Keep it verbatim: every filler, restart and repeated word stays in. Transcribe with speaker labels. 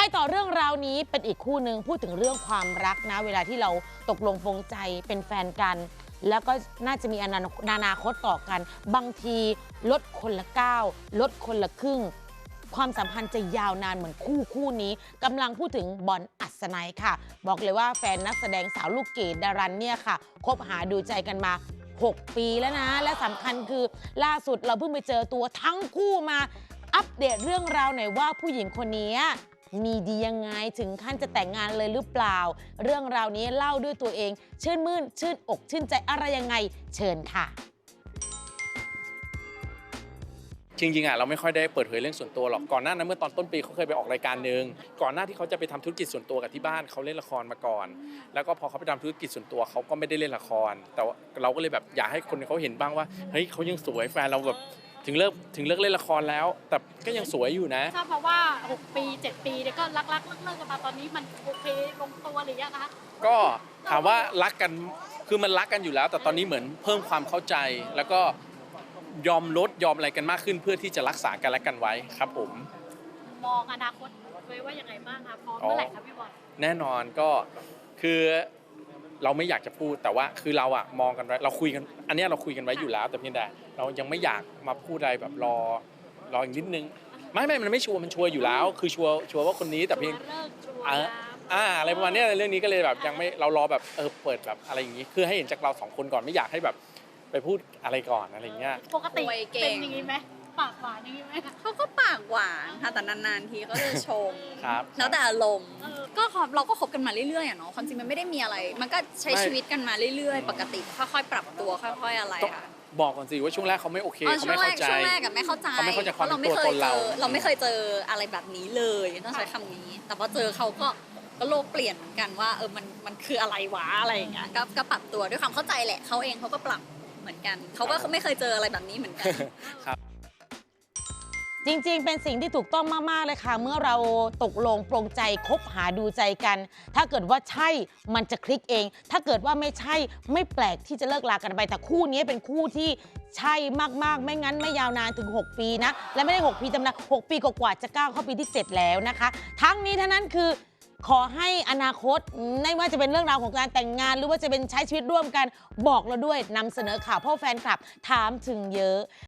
Speaker 1: ต่อเรื่องราวนี้เป็นอีกคู่หนึ่งพูดถึงเรื่องความรักนะเวลาที่เราตกลงปลงใจเป็นแฟนกันแล้วก็น่าจะมีอนาคตต่อกันบางทีลดคนละก้าวลดคนละครึ่งความสัมพันธ์จะยาวนานเหมือนคู่คู่นี้กำลังพูดถึงบอลอัศนัยค่ะบอกเลยว่าแฟนนักแสดงสาวลูกเกดดารันเนี่ยค่ะคบหาดูใจกันมาหกปีแล้วนะและสำคัญคือล่าสุดเราเพิ่งไปเจอตัวทั้งคู่มาอัปเดตเรื่องราวหน่อยว่าผู้หญิงคนนี้มีดียังไงถึงขั้นจะแต่งงานเลยหรือเปล่าเรื่องราวนี้เล่าด้วยตัวเองชื่นมื่นชื่นอกชื่นใจอะไรยังไงเชิญค่ะ
Speaker 2: จริงๆอ่ะเราไม่ค่อยได้เปิดเผยเรื่องส่วนตัวหรอกก่อนหน้านั้นเมื่อตอนต้นปีเขาเคยไปออกรายการนึงก่อนหน้าที่เขาจะไปทำธุรกิจส่วนตัวกับที่บ้านเขาเล่นละครมาก่อนแล้วก็พอเขาไปทำธุรกิจส่วนตัวเขาก็ไม่ได้เล่นละครแต่เราก็เลยแบบอยากให้คนเขาเห็นบ้างว่าเฮ้ยเขายังสวยแฟนเราแบบถึงเลิกถึงเลิกเล่นละครแล้วแต่ก็ยังสวยอยู่นะ
Speaker 3: ทราบมาว่าหกปีเจ็ดปีเนี่ยก็รักๆเลิกๆกันมาตอนนี้มันโอเคลงตัวหรือยังคะ
Speaker 2: ก็ถามว่ารักกันคือมันรักกันอยู่แล้วแต่ตอนนี้เหมือนเพิ่มความเข้าใจแล้วก็ยอมลดยอมอะไรกันมากขึ้นเพื่อที่จะรักษากันและกันไว้ครับผม
Speaker 3: มองอนาคตไว้ว่ายังไงบ้างคะพร้อมเมื่อไหร่ครับพี่บอล
Speaker 2: แน่นอนก็คือเราไม่อยากจะพูดแต่ว่าคือเราอะมองกันไว้เราคุยกันอันนี้เราคุยกันไว้อยู่แล้วแต่เพียงแต่เรายังไม่อยากมาพูดอะไรแบบรอรออีกนิดนึงไม่ไม่มันไม่ชัวร์มันชัวร์อยู่แล้วคือชัวร์ชัวร์ว่าคนนี้แต่เพียงอ่าอะไรประมาณนี้เรื่องนี้ก็เลยแบบยังไม่เรารอแบบเออเปิดแบบอะไรอย่างนี้คือให้เห็นจากเราสองคนก่อนไม่อยากให้แบบไปพูดอะไรก่อนอะไรเงี้ย
Speaker 3: ปกติเป็นอย่างนี้ไหมปากหวานอย่างนี้ไหม
Speaker 4: เขาก็ปากหวานค่ะแต่นานๆทีก็จะชม
Speaker 2: ครับ
Speaker 4: แล้วแต่อารมณ์ก็เราก็คบกันมาเรื่อยๆอ่ะเนาะความจริงมันไม่ได้มีอะไรมันก็ใช้ชีวิตกันมาเรื่อยๆปกติค่อยๆปรับตัวค่อยๆอะไรค่ะ
Speaker 2: บอกก่อนสิว่าช่วงแรกเขาไม่โอเคเขาไม่เข้าใจ
Speaker 4: ช่วงแรกกับไม่เข้าใจ
Speaker 2: เขาไม่เข้าใจความเป็นตัวตนเรา
Speaker 4: เราไม่เคยเจออะไรแบบนี้เลยต้องใช้คำนี้แต่พอเจอเขาก็ก็โลกเปลี่ยนเหมือนกันว่าเออมันมันคืออะไรวะอะไรอย่างเงี้ยก็ปรับตัวด้วยความเข้าใจแหละเขาเองเขาก็ปรับเหมือนกันเขาก็ไม่เคยเจออะไรแบบนี้เหมือนกัน
Speaker 2: ครับ
Speaker 1: จริงๆเป็นสิ่งที่ถูกต้องมากๆเลยค่ะเมื่อเราตกลงปรงใจคบหาดูใจกันถ้าเกิดว่าใช่มันจะคลิกเองถ้าเกิดว่าไม่ใช่ไม่แปลกที่จะเลิกลากันไปแต่คู่นี้เป็นคู่ที่ใช่มากๆไม่งั้นไม่ยาวนานถึงหกปีนะและไม่ได้หกปีธรรมดาหกปีกว่าๆจะก้าวเข้าปีที่เจ็ดแล้วนะคะทั้งนี้ทั้งนั้นคือขอให้อนาคตไม่ว่าจะเป็นเรื่องราวของการแต่งงานหรือว่าจะเป็นใช้ชีวิตร่วมกันบอกเราด้วยนำเสนอข่าวเพราะแฟนคลับถามถึงเยอะ